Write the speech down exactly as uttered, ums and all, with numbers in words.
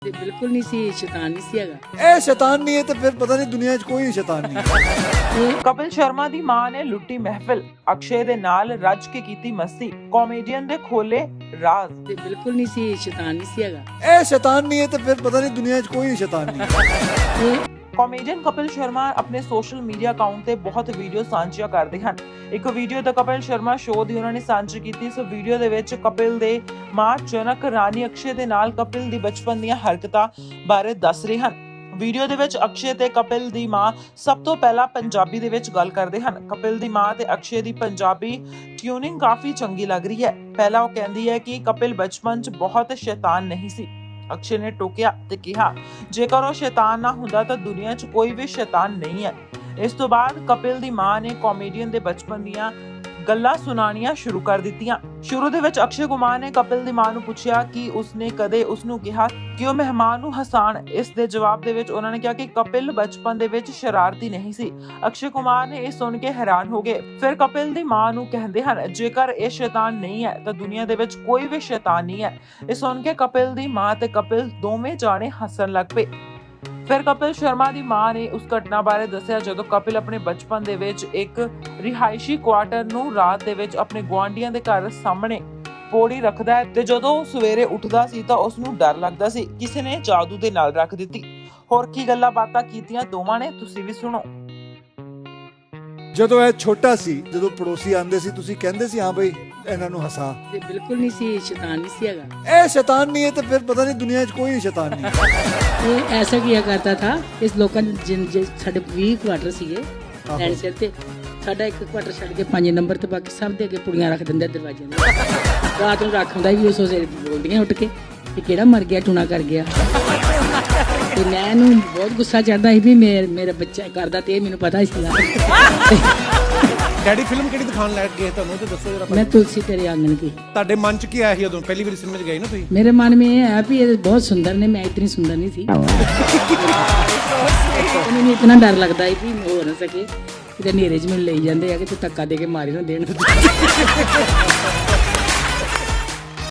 ਤੇ ਬਿਲਕੁਲ ਨਹੀਂ ਸੀ, ਸ਼ੈਤਾਨ ਨਹੀਂ ਸੀ ਹੈਗਾ। ਇਹ ਸ਼ੈਤਾਨ ਨਹੀਂ ਹੈ ਤੇ ਫਿਰ ਪਤਾ ਨਹੀਂ ਦੁਨੀਆ 'ਚ ਕੋਈ ਸ਼ੈਤਾਨ ਨਹੀਂ ਹੈ। ਕਪਿਲ ਸ਼ਰਮਾ ਦੀ ਮਾਂ ਨੇ ਲੁੱਟੀ ਮਹਿਫਿਲ, ਅਕਸ਼ੇ ਦੇ ਨਾਲ ਰੱਜ ਕੇ ਕੀਤੀ ਮਸਤੀ, ਕਾਮੇਡੀਅਨ ਦੇ ਖੋਲੇ ਰਾਜ਼। ਤੇ ਬਿਲਕੁਲ ਨਹੀਂ ਸੀ, ਸ਼ੈਤਾਨ ਨਹੀਂ ਸੀ ਹੈਗਾ। ਇਹ ਸ਼ੈਤਾਨ ਨਹੀਂ ਹੈ ਤੇ ਫਿਰ ਪਤਾ ਨਹੀਂ ਦੁਨੀਆ 'ਚ ਕੋਈ ਸ਼ੈਤਾਨ ਨਹੀਂ ਹੈ। ਕਾਮੇਡੀਅਨ ਕਪਿਲ ਸ਼ਰਮਾ ਆਪਣੇ ਸੋਸ਼ਲ ਮੀਡੀਆ ਅਕਾਊਂਟ ਤੇ ਬਹੁਤ ਵੀਡੀਓ ਸਾਂਝੀਆਂ ਕਰਦੇ ਹਨ। ਇੱਕ ਵੀਡੀਓ ਤਾਂ ਕਪਿਲ ਸ਼ਰਮਾ ਸ਼ੋਅ ਦੀ ਉਹਨਾਂ ਨੇ ਸਾਂਝੀ ਕੀਤੀ। ਇਸ ਵੀਡੀਓ ਦੇ ਵਿੱਚ ਕਪਿਲ ਦੇ ਮਾਂ ਜਨਕ ਰਾਣੀ ਅਕਸ਼ੇ ਦੇ ਨਾਲ ਕਪਿਲ ਦੀ ਬਚਪਨ ਦੀਆਂ ਹਰਕਤਾਂ ਬਾਰੇ ਦੱਸ ਰਹੇ ਹਨ। ਵੀਡੀਓ ਦੇ ਵਿੱਚ ਅਕਸ਼ੇ ਤੇ ਕਪਿਲ ਦੀ ਮਾਂ ਸਭ ਤੋਂ ਪਹਿਲਾਂ ਪੰਜਾਬੀ ਦੇ ਵਿੱਚ ਗੱਲ ਕਰਦੇ ਹਨ। ਕਪਿਲ ਦੀ ਮਾਂ ਤੇ ਅਕਸ਼ੇ ਦੀ ਪੰਜਾਬੀ ਟਿਊਨਿੰਗ ਕਾਫੀ ਚੰਗੀ ਲੱਗ ਰਹੀ ਹੈ। ਪਹਿਲਾਂ ਉਹ ਕਹਿੰਦੀ ਹੈ ਕਿ ਕਪਿਲ ਬਚਪਨ 'ਚ ਬਹੁਤ ਸ਼ੈਤਾਨ ਨਹੀਂ ਸੀ। ਅਕਸ਼ੇ ਨੇ ਟੋਕਿਆ ਤੇ ਕਿਹਾ, ਜੇਕਰ ਉਹ ਸ਼ੈਤਾਨ ਨਾ ਹੁੰਦਾ ਤਾਂ ਦੁਨੀਆ 'ਚ ਕੋਈ ਵੀ ਸ਼ੈਤਾਨ ਨਹੀਂ ਹੈ। ਇਸ ਤੋਂ ਬਾਅਦ ਕਪਿਲ ਦੀ ਮਾਂ ਨੇ ਕਾਮੇਡੀਅਨ ਦੇ ਬਚਪਨ ਦੀਆਂ ਗੱਲਾਂ ਸੁਣਾਉਣੀਆਂ ਸ਼ੁਰੂ ਕਰ ਦਿੱਤੀਆਂ। ਸ਼ੁਰੂ ਦੇ ਵਿੱਚ ਅਕਸ਼ੇ ਕੁਮਾਰ ਨੇ ਕਪਿਲ ਦੀ ਮਾਂ ਨੂੰ ਪੁੱਛਿਆ ਕਿ ਉਸਨੇ ਕਦੇ ਉਸਨੂੰ ਕਿਹਾ ਕਿ ਉਹ ਮਹਿਮਾਨ ਨੂੰ ਹਸਾਣ। ਇਸ ਦੇ ਜਵਾਬ ਦੇ ਵਿੱਚ ਉਹਨਾਂ ਨੇ ਕਿਹਾ ਕਿ ਕਪਿਲ ਬਚਪਨ ਦੇ ਵਿੱਚ ਸ਼ਰਾਰਤੀ ਨਹੀਂ ਸੀ। ਅਕਸ਼ੇ ਕੁਮਾਰ ਨੇ ਇਹ ਸੁਣ ਕੇ ਹੈਰਾਨ ਹੋ ਗਏ। ਫਿਰ ਕਪਿਲ ਦੀ ਮਾਂ ਨੂੰ ਕਹਿੰਦੇ ਹਨ, ਜੇਕਰ ਇਹ ਸ਼ੈਤਾਨ ਨਹੀਂ ਹੈ ਤਾਂ ਦੁਨੀਆ ਦੇ ਵਿੱਚ ਕੋਈ ਵੀ ਸ਼ੈਤਾਨ ਨਹੀਂ ਹੈ। ਇਹ ਸੁਣ ਕੇ ਕਪਿਲ ਦੀ ਮਾਂ ਤੇ ਕਪਿਲ ਦੋਵੇਂ ਜਾਣੇ ਹੱਸਣ ਲੱਗ ਪਏ। ਫਿਰ ਕਪਿਲ ਸ਼ਰਮਾ ਦੀ ਮਾਂ ਨੇ ਉਸ ਘਟਨਾ ਬਾਰੇ ਦੱਸਿਆ ਜਦੋਂ ਕਪਿਲ ਆਪਣੇ ਬਚਪਨ ਦੇ ਵਿੱਚ ਇੱਕ ਰਿਹਾਇਸ਼ੀ ਕੁਆਟਰ ਨੂੰ ਰਾਤ ਦੇ ਵਿੱਚ ਆਪਣੇ ਗੁਆਂਢੀਆਂ ਦੇ ਘਰ ਸਾਹਮਣੇ ਪੌੜੀ ਰੱਖਦਾ ਹੈ ਤੇ ਜਦੋਂ ਉਹ ਸਵੇਰੇ ਉੱਠਦਾ ਸੀ ਤਾਂ ਉਸ ਨੂੰ ਡਰ ਲੱਗਦਾ ਸੀ ਕਿਸੇ ਨੇ ਜਾਦੂ ਦੇ ਨਾਲ ਰੱਖ ਦਿੱਤੀ। ਹੋਰ ਕੀ ਗੱਲਾਂ ਬਾਤਾਂ ਕੀਤੀਆਂ ਦੋਵਾਂ ਨੇ, ਤੁਸੀਂ ਵੀ ਸੁਣੋ। ਜਦੋਂ ਇਹ ਛੋਟਾ ਸੀ, ਜਦੋਂ ਪੜੋਸੀ ਆਂਦੇ ਸੀ, ਤੁਸੀਂ ਕਹਿੰਦੇ ਸੀ ਹਾਂ ਬਈ ਇਹਨਾਂ ਨੂੰ ਹਸਾ। ਤੇ ਬਿਲकुल नहीं सी, शैतान नहीं सी हैगा। ਇਹ ਸ਼ੈਤਾਨ ਨਹੀਂ ਹੈ ਤੇ ਫਿਰ ਪਤਾ ਨਹੀਂ ਦੁਨੀਆ 'ਚ ਕੋਈ ਸ਼ੈਤਾਨ ਨਹੀਂ ਹੈ। ये ऐसा किया करता था इस लोगों ने जिन जिन साढ़े बीस क्वार्टर सीगे लैंड सिर ते साਡਾ ਇੱਕ ਕੁਆਟਰ ਛੱਡ ਕੇ ਪੰਜ ਨੰਬਰ ਤੇ ਬਾਕੀ ਸਭ ਦੇ ਅੱਗੇ ਪੁੜੀਆਂ ਰੱਖ ਦਿੰਦੇ ਦਰਵਾਜ਼ੇ ਦੇ। ਰਾਤ ਨੂੰ ਰੱਖ ਹੁੰਦਾ ਵੀ ਉਸ ਵੇਲੇ ਬੋਲਦੀਆਂ ਉੱਠ ਕੇ ਕਿ ਕਿਹੜਾ ਮਰ ਗਿਆ ਟੂਣਾ ਕਰ ਗਿਆ। ਤੇ ਮੈਨੂੰ ਬਹੁਤ ਗੁੱਸਾ ਚੜਦਾ ਸੀ ਵੀ ਮੇਰਾ ਮੇਰਾ ਬੱਚਾ ਕਰਦਾ ਤੇ ਇਹ ਮੈਨੂੰ ਪਤਾ ਸੀ। ਡੈਡੀ ਫਿਲਮ ਕਿਹੜੀ ਦਿਖਾਉਣ ਲੱਗ ਗਏ ਤੁਹਾਨੂੰ ਤੇ ਦੱਸੋ ਜਰਾ। मैं तुलसी तेरे आंगन की। ਤੁਹਾਡੇ ਮਨ ਚ ਕੀ ਆਇਆ ਸੀ ਜਦੋਂ ਪਹਿਲੀ ਵਾਰੀ ਸਿਨੇਮਾ 'ਚ ਗਏ ਨਾ ਤੁਸੀਂ? मेरे मन में ये है भी ये बहुत सुंदर ने, मैं इतनी सुंदर नहीं थी। ਮੈਨੂੰ ਇਤਨਾ ਡਰ ਲੱਗਦਾ ਹੈ ਵੀ ਹੋ ਨਾ ਸਕੇ ਕਿਤੇ ਹਨੇਰੇ 'ਚ ਮੈਨੂੰ ਲਈ ਜਾਂਦੇ ਆ ਕਿ ਤੂੰ ਧੱਕਾ ਦੇ ਕੇ ਮਾਰੀ ਨਾ ਦੇਣ।